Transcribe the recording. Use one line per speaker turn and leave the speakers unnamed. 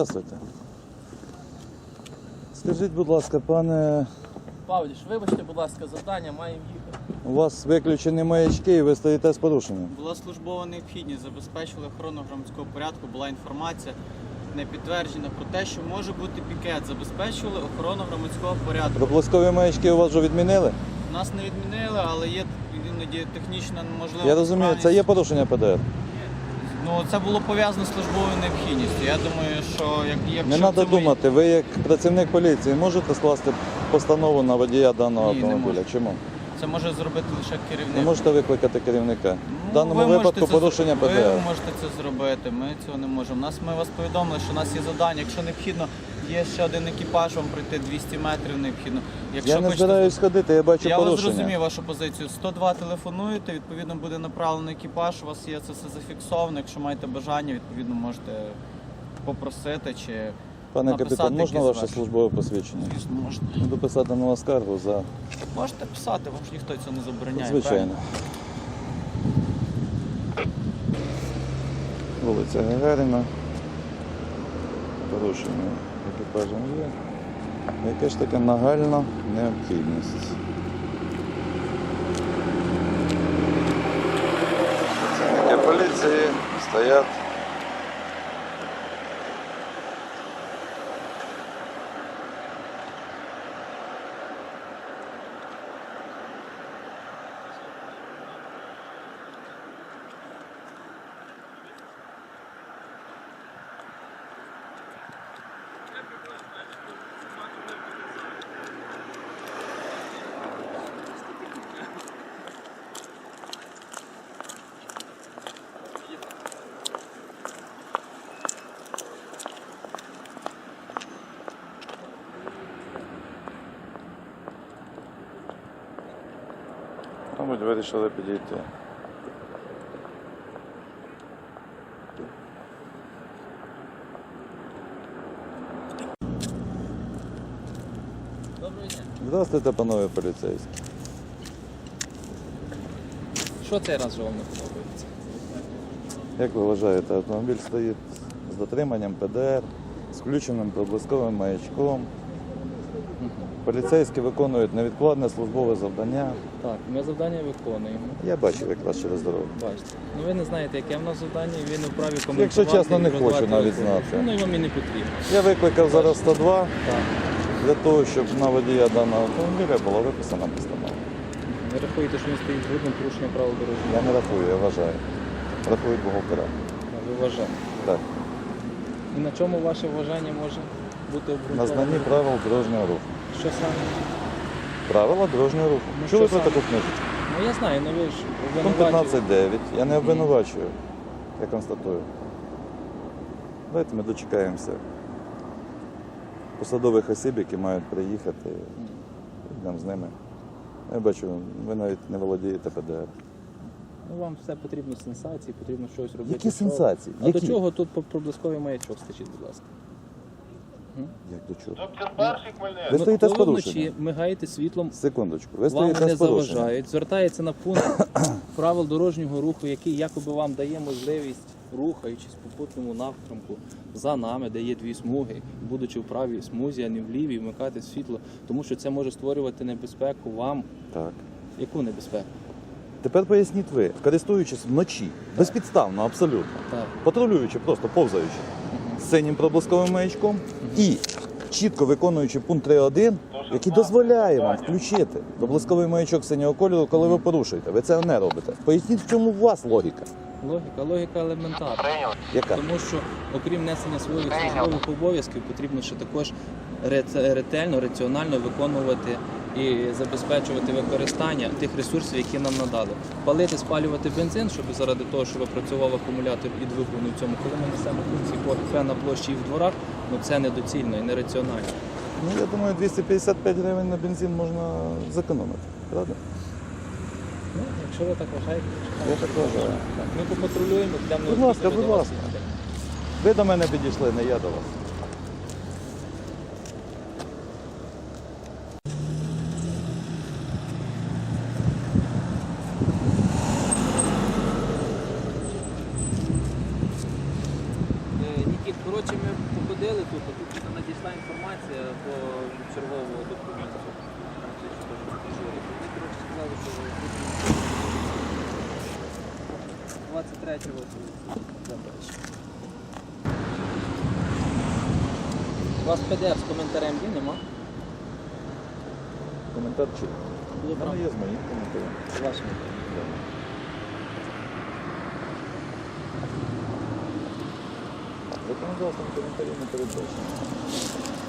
Здравствуйте. Скажіть, будь ласка, пане,
Павліш, вибачте, будь ласка, завдання, маємо їхати.
у вас виключені маячки і ви стоїте з порушенням.
Була службова необхідність, забезпечили охорону громадського порядку, була інформація не підтверджена про те, що може бути пікет. Забезпечували охорону громадського порядку.
Проблискові маячки у вас вже відмінили?
Нас не відмінили, але є іноді технічна можливість.
Я розумію, це є порушення ПДР.
Ну, це було пов'язано з службовою необхідністю. Я думаю, що якщо
Не треба
це
думати, ви як працівник поліції можете скласти постанову на водія даного
Ні, не
автомобіля?
можу.
Чому?
це може зробити лише керівник.
Не можете викликати керівника. В даному
ви
випадку
можете це
порушення
зробити.
ПДР.
Ви можете це зробити, ми цього не можемо. Ми вас повідомили, що у нас є завдання. Якщо необхідно, є ще один екіпаж, вам пройти 200 метрів необхідно. Якщо
Я не
хочете-
збираюсь ходити, я бачу
Я вас
порушення.
зрозумів вашу позицію. 102 телефонуєте, відповідно буде направлений екіпаж, у вас є це все зафіксовано. Якщо маєте бажання, відповідно можете попросити чи
Пане
написати
капітан, можна
якісь
ваше
ваші.
службове посвідчення?
Звісно, можете.
Буду писати на вас скаргу за...
Можете писати, вам ж ніхто цього не забороняє.
Звичайно. Вулиця Гагаріна. Порушення екіпажем є. Яка ж така нагальна необхідність? Працівники поліції стоять. Мабуть, вирішили підійти.
Доброго дня.
Здравствуйте, панове поліцейські.
Що цей раз же вам не подобається?
Як ви вважаєте, автомобіль стоїть з дотриманням ПДР, з включеним проблисковим маячком. Поліцейські виконують невідкладне службове завдання.
Так, ми завдання виконуємо.
Я бачив якраз через дорогу.
Бачите. Ну ви не знаєте, яке в нас завдання, і ви не вправі коментувати.
Якщо чесно, не
і
хочу
роздавати
навіть
телефон.
знати.
Ну і вам і не потрібно.
Я викликав зараз 102
Так.
для того, щоб на водія даного автомобіля була виписана постанова.
Ви рахуєте, що він стоїть з грубим порушенням правил дорожнього
Я не рахую, я вважаю. Рахують бухгалтера.
руху? Ви вважаєте.
Так.
І на чому ваше вважання може бути
На
обґрунтоване?
знанні правил дорожнього руху.
Що саме?
Правила дорожнього руху.
Ну,
Чули
що
про
саме?
таку книжечку?
Ну я знаю, ну ви ж
Пункт
обвинувачуєте.
15.9. Я не обвинувачую, я констатую. Давайте ми дочекаємося посадових осіб, які мають приїхати. Йдемо з ними. Я бачу, ви навіть не володієте ПДР.
Ну вам все потрібно сенсації, потрібно щось робити.
Які
Що?
сенсації?
А
Які?
до чого тут проблисковий маячок, скажіть, будь ласка?
Як до чого?
Доктор перший Хмельницький.
Ви стоїте з
Коли ви
порушенням.
вночі мигаєте світлом,
Секундочку. Ви
вам
стоїте
не
з порушенням.
заважають, звертається на пункт правил дорожнього руху, який якоби вам дає можливість, рухаючись в попутному напрямку за нами, де є дві смуги, будучи в правій смузі, а не в лівій, вмикати світло, тому що це може створювати небезпеку вам.
Так.
Яку небезпеку?
Тепер поясніть ви, користуючись вночі, безпідставно, абсолютно,
Так.
патрулюючи, просто повзаючи з синім проблисковим маячком і чітко виконуючи пункт 3.1, який дозволяє вам включити проблисковий маячок синього кольору, коли ви порушуєте. Ви це не робите. Поясніть, в чому у вас логіка?
Логіка елементарна.
Яка?
Тому що, окрім несення своїх службових обов'язків, потрібно ще також ретельно, раціонально виконувати і забезпечувати використання тих ресурсів, які нам надали. Палити, спалювати бензин, щоб заради того, щоб працював акумулятор і двигун у цьому, коли ми несемо функції по КП на площі і в дворах, ну це недоцільно і нераціонально.
Ну, я думаю, 255 гривень на бензин можна зекономити, правда?
Ну, якщо ви так вважаєте,
Я так вважаю.
так, ми попатрулюємо, йдемо
Будь ласка, будь ласка. Ви до мене підійшли, не я до вас.
Нікіт, коротше, ми походили, Тут надійшла інформація по чергового документу. Вони, коротше, сказали, що 23-го заперечення. У вас PDF з коментарем є, нема?
Коментар чи?
Було
Воно є з моїм коментарем.
З вашим.
Законодавством коментарів не передбачено.